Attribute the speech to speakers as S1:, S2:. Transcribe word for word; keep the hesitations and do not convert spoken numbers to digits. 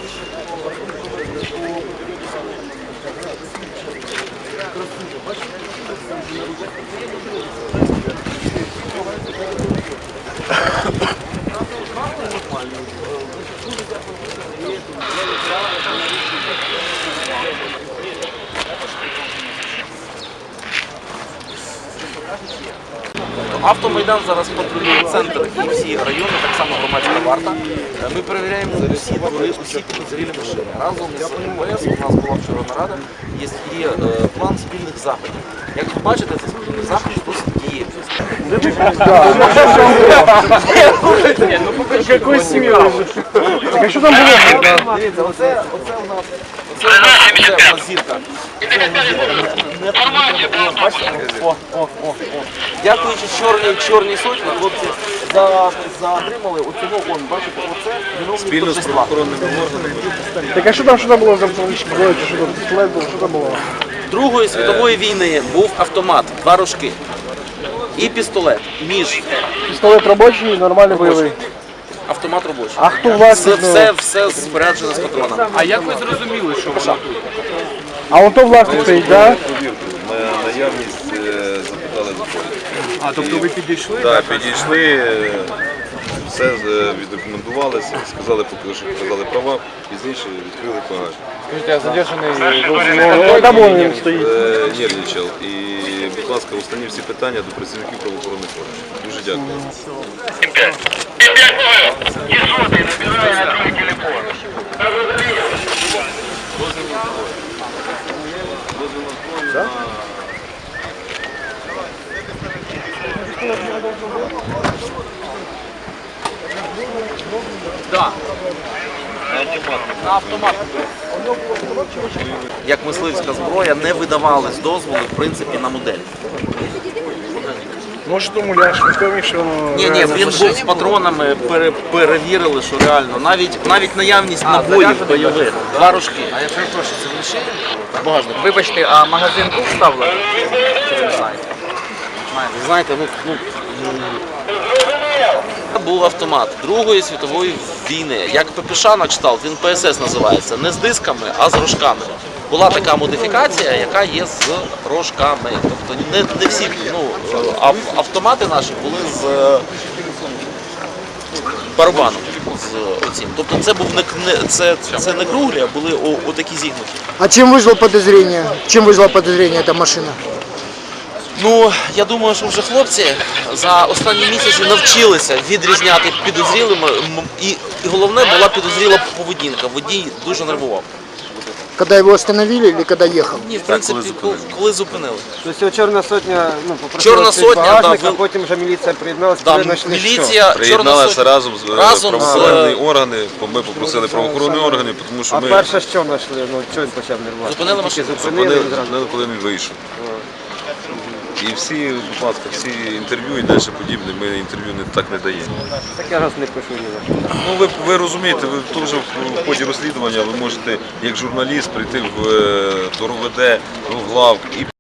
S1: Автомайдан зараз патрулює центр і всі райони, так само громадська варта. Ми перевіряємо усі двори, усі підозрілі машини. Разом з МВС у нас була вчора нарада, є, є план спільних заходів. Як ви бачите, це спільний захід досить діє.
S2: Какой семьей? Так а що там було?
S1: Дивіться, оце у нас Це зірка. О, о, о, о. Дякуючи чорній чорній сотні, хлопці затримали оцього, он, бачите, оце
S3: спільно з правоохоронними органами.
S2: Так а що там, що там було за автоматичні зброї, чи що там пістолет був, що там було?
S1: Другої світової війни був автомат, два рожки і пістолет, ніж.
S2: Пістолет робочий, нормальний бойовий.
S1: Автомат робочий.
S2: А хто
S1: Все,
S2: власник?
S1: все, все споряджено з патронами.
S4: А як ви зрозуміли, що воно тут?
S2: А ото власник стоїть, так?
S3: На наявність е, запитали за полі.
S4: А, тобто ви підійшли?
S3: Так, підійшли, е, все е, віддокументувалися, сказали, поки що показали права, пізніше відкрили багаж.
S2: Скажіть, а задержаний, там він стоїть.
S3: Е, Нервничав. І, будь ласка, останні всі питання до працівників правоохоронних органів. Дуже дякую.
S1: Да. На автомат. Як мисливська зброя не видавались дозволи, в принципі, на модель.
S2: Може, то муляж, ніхто міг, що воно...
S1: Ні, ні, він був з патронами, пере, перевірили, що реально. Навіть, навіть наявність набоїв бойових, два рожки.
S4: А я перепрошую, це ви ще? Багажник. Вибачте, а магазин був вставлений? Чи ви не знаєте?
S1: Ви знаєте, ну, ну, був автомат Другої світової війни. Як ППШ на кшталт, він Пе Ес Ес називається. Не з дисками, а з рожками. Була така модифікація, яка є з рожками. Тобто не, не всі ну, автомати наші були з барабаном. З оцім. Тобто це був не, не, це, це не круглі, а були о, отакі зігнуті.
S5: А чем вызвало подозрение? Чем вызвало подозрение эта машина?
S1: Ну, я думаю, що вже хлопці за останні місяці навчилися відрізняти підозрілими, і, і головне була підозріла поведінка. Водій дуже нервував.
S5: Когда его остановили или когда ехал?
S1: Ні, в принципі, коли, коли зупинили.
S6: Тобто Чорна сотня ну, попросила
S1: Чорна
S6: цей
S1: сотня,
S6: багажник,
S1: да,
S6: а
S1: ви-
S6: потім вже міліція приєдналася,
S1: Да,
S6: коли знайшли
S1: міліція, Чорна
S3: Приєдналися
S1: сотня.
S3: разом з е,
S1: Разом з-
S3: правоохоронні органи, бо ми попросили правоохоронні органи, тому
S6: що.
S3: що
S6: А
S3: ми
S6: перше що знайшли? Ну, чого він почав нервувати?
S1: Зупинили
S6: Тільки
S1: машину.
S6: зупинили,
S3: зупинили,
S6: він зразу.
S3: зупинили, коли він вийшов. І всі, будь ласка, всі інтерв'ю і далі подібне, ми інтерв'ю не, так не даємо.
S6: Так я раз не пишу ні за що.
S3: Ну, ви, ви розумієте, ви теж в ході розслідування ви можете як журналіст прийти в, е, до РОВД, в главк і